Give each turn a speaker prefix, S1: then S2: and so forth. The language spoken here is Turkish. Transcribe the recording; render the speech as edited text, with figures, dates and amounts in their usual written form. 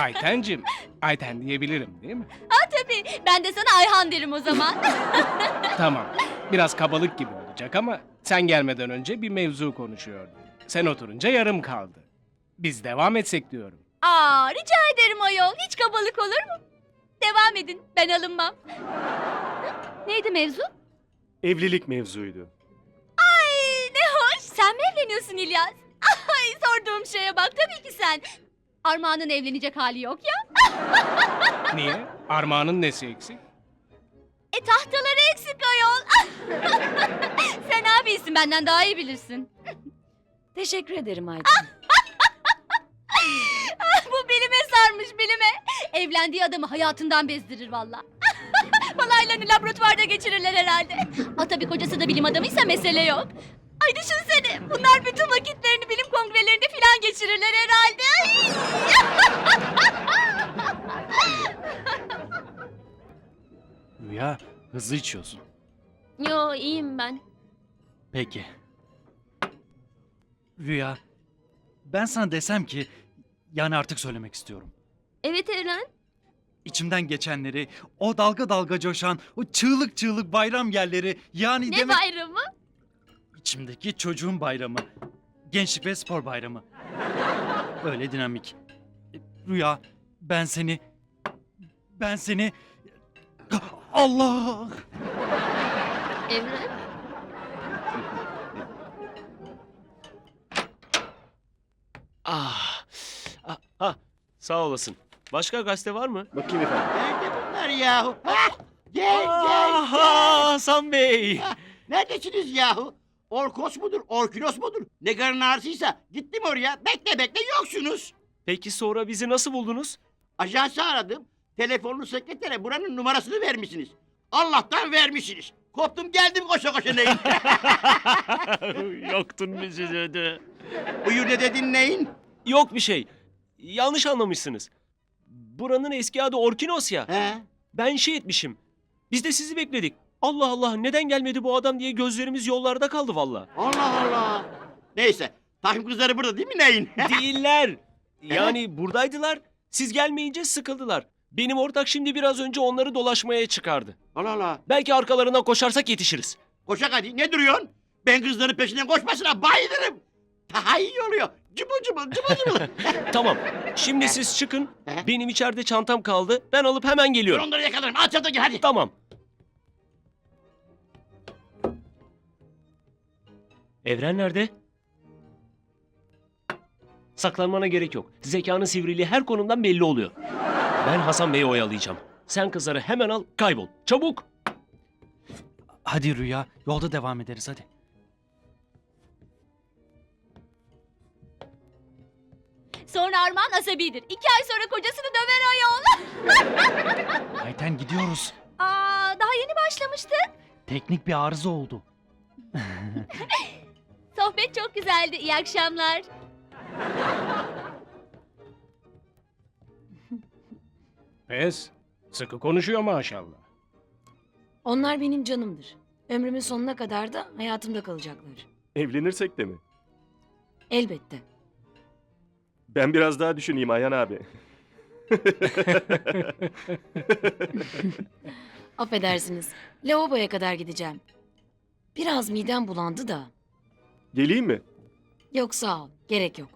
S1: Aytencim, Ayten diyebilirim değil mi?
S2: Tabii, ben de sana Ayhan derim o zaman.
S1: Tamam, biraz kabalık gibi olacak ama sen gelmeden önce bir mevzu konuşuyorduk. Sen oturunca yarım kaldı. Biz devam etsek diyorum.
S2: Rica ederim ayol. Hiç kabalık olur mu? Devam edin, ben alınmam. Neydi mevzu?
S3: Evlilik mevzuydu.
S2: Ay ne hoş. Sen mi evleniyorsun İlyas? Ay sorduğum şeye bak, tabii ki sen. Armağan'ın evlenecek hali yok ya.
S1: Niye? Armağan'ın nesi eksik?
S2: Tahtaları eksik ayol. Sen abisin, benden daha iyi bilirsin.
S4: Teşekkür ederim Ayten.
S2: Bu bilime sarmış, bilime. Evlendiği adamı hayatından bezdirir valla. Balaylarını laboratuvarda geçirirler herhalde. Tabii kocası da bilim adamıysa mesele yok. Ay düşünsene, bunlar bütün vakitlerini bilim kongrelerinde filan geçirirler herhalde.
S3: Rüya, hızlı içiyorsun.
S4: Yo, iyiyim ben.
S3: Peki. Rüya, ben sana desem ki, yani artık söylemek istiyorum.
S4: Evet Eren.
S3: İçimden geçenleri, o dalga dalga coşan, o çığlık çığlık bayram yerleri, yani
S4: Ne
S3: demek...
S4: bayramı?
S3: İçimdeki çocuğun bayramı. Gençlik ve spor bayramı. Öyle dinamik. Rüya, ben seni... Allah!
S4: Evren.
S5: Sağ olasın. Başka gazete var mı?
S3: Bakayım efendim.
S6: Nerede bunlar yahu? Hah! Gel.
S5: Hasan Bey.
S6: Neredesiniz yahu? Orkos mudur, Orkinos mudur? Ne karın ağrısıysa gittim oraya. Bekle yoksunuz.
S5: Peki sonra bizi nasıl buldunuz?
S6: Ajansı aradım. Telefonlu sekretere buranın numarasını vermişsiniz. Allah'tan vermişsiniz. Koptum geldim koşa koşa neyin?
S5: Yoktun bizi dedi.
S6: Buyur ne dedin neyin?
S5: Yok bir şey. Yanlış anlamışsınız. Buranın eski adı Orkinos ya.
S6: He?
S5: Ben şey etmişim. Biz de sizi bekledik. Allah Allah neden gelmedi bu adam diye gözlerimiz yollarda kaldı valla.
S6: Allah. Neyse. Takım kızları burada değil mi neyin?
S5: Değiller. Yani buradaydılar. Siz gelmeyince sıkıldılar. Benim ortak şimdi biraz önce onları dolaşmaya çıkardı.
S6: Allah.
S5: Belki arkalarından koşarsak yetişiriz.
S6: Koşak hadi ne duruyorsun? Ben kızların peşinden koşmasına bayılırım. Daha iyi oluyor. Cıbıl cıbıl.
S5: Tamam. Şimdi siz çıkın. Benim içeride çantam kaldı. Ben alıp hemen
S6: Dur
S5: geliyorum.
S6: onları yakalarım. Al çantayı hadi.
S5: Tamam. Evren nerede? Saklanmana gerek yok. Zekanın sivriliği her konumdan belli oluyor. Ben Hasan Bey'i oyalayacağım. Sen kızları hemen al, kaybol. Çabuk!
S3: Hadi Rüya, yolda devam ederiz hadi.
S2: Sonra Armağan asabidir. 2 ay sonra kocasını döver ayol.
S3: Ayten gidiyoruz.
S2: Daha yeni başlamıştık.
S3: Teknik bir arıza oldu.
S2: Sohbet çok güzeldi. İyi akşamlar.
S1: Pes, sıkı konuşuyor maşallah.
S4: Onlar benim canımdır. Ömrümün sonuna kadar da hayatımda kalacaklar.
S7: Evlenirsek de mi?
S4: Elbette.
S7: Ben biraz daha düşüneyim Ayhan abi.
S4: Affedersiniz. Lavaboya kadar gideceğim. Biraz midem bulandı da.
S7: Geleyim mi?
S4: Yok sağ ol. Gerek yok.